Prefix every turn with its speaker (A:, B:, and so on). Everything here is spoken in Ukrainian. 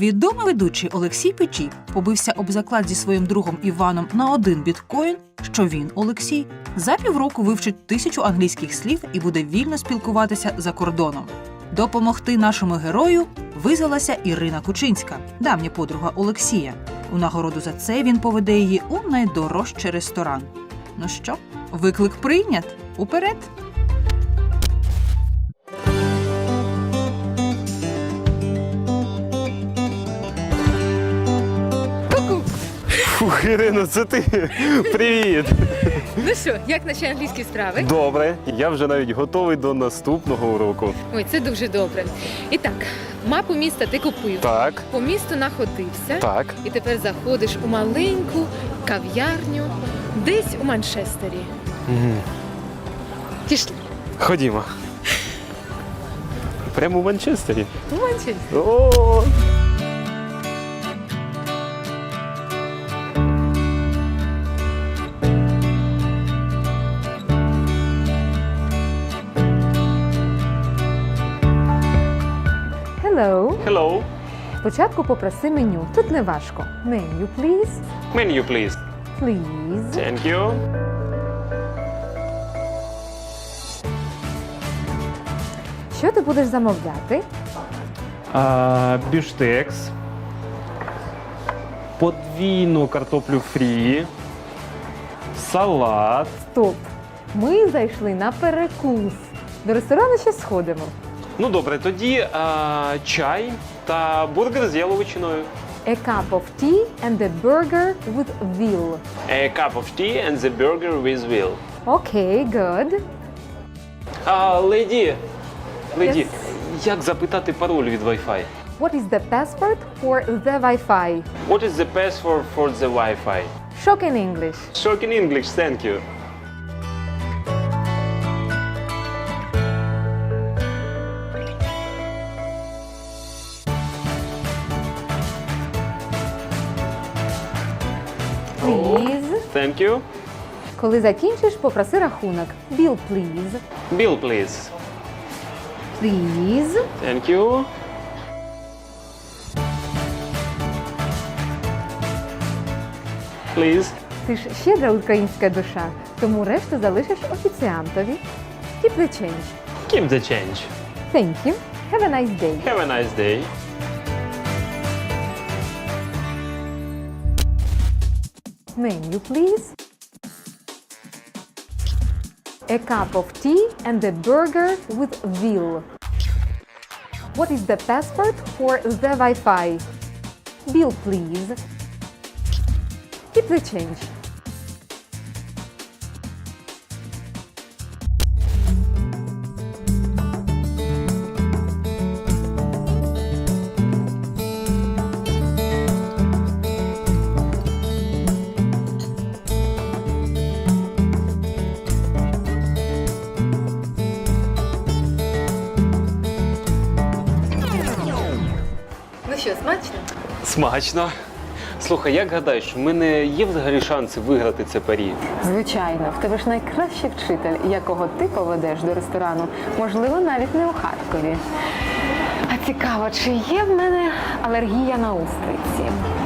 A: Відомий ведучий Олексій Печій побився об заклад зі своїм другом Іваном на 1 біткоін, що він, Олексій, за півроку вивчить 1000 англійських слів і буде вільно спілкуватися за кордоном. Допомогти нашому герою визвалася Ірина Кучинська, давня подруга Олексія. У нагороду за це він поведе її у найдорожчий ресторан. Ну що, виклик прийнят? Уперед!
B: Фух, Ірино, це ти. Привіт.
C: Ну що, як наші англійські справи?
B: Добре, я вже навіть готовий до наступного уроку.
C: Ой, це дуже добре. І так, мапу міста ти купив,
B: Так,
C: по місту находився,
B: так.
C: і тепер заходиш у маленьку кав'ярню десь у Манчестері. Пішли.
B: Ходімо. Прямо у Манчестері.
C: У Манчестері.
B: О!
D: Hello.
B: Hello.
D: Спочатку попроси меню. Тут не важко. Menu, please.
B: Menu, please.
D: Please.
B: Thank you.
D: Що ти будеш замовляти?
B: Бюштекс. Подвійну картоплю фрі. Салат.
D: Стоп. Ми зайшли на перекус. До ресторану ще сходимо.
B: Ну добре, тоді чай та бургер з яловичиною.
D: A cup of tea and a burger with veal.
B: A cup of tea and the burger with veal.
D: Окей, good.
B: Леді,
D: Yes.
B: як запитати пароль від Wi-Fi?
D: What is the password for the Wi-Fi?
B: What is the password for the Wi-Fi?
D: Shock in English.
B: Shock in English, thank you.
D: Please.
B: Thank you.
D: Коли закінчиш, попроси рахунок. Bill, please.
B: Bill, please.
D: Please.
B: Thank you. Please.
D: Ти ж щедра українська душа, тому решту залишиш офіціантові. Keep the change.
B: Keep the change.
D: Thank you. Have a nice day.
B: Have a nice day.
D: Menu, please. A cup of tea and a burger with veal. What is the password for the Wi-Fi? Bill, please. Keep the change.
C: Ну що, смачно?
B: Смачно. Слухай, як гадаєш, у мене є взагалі шанси виграти це парі?
D: Звичайно, в тебе ж найкращий вчитель, якого ти поведеш до ресторану, можливо, навіть не у Харкові. А цікаво, чи є в мене алергія на устриці?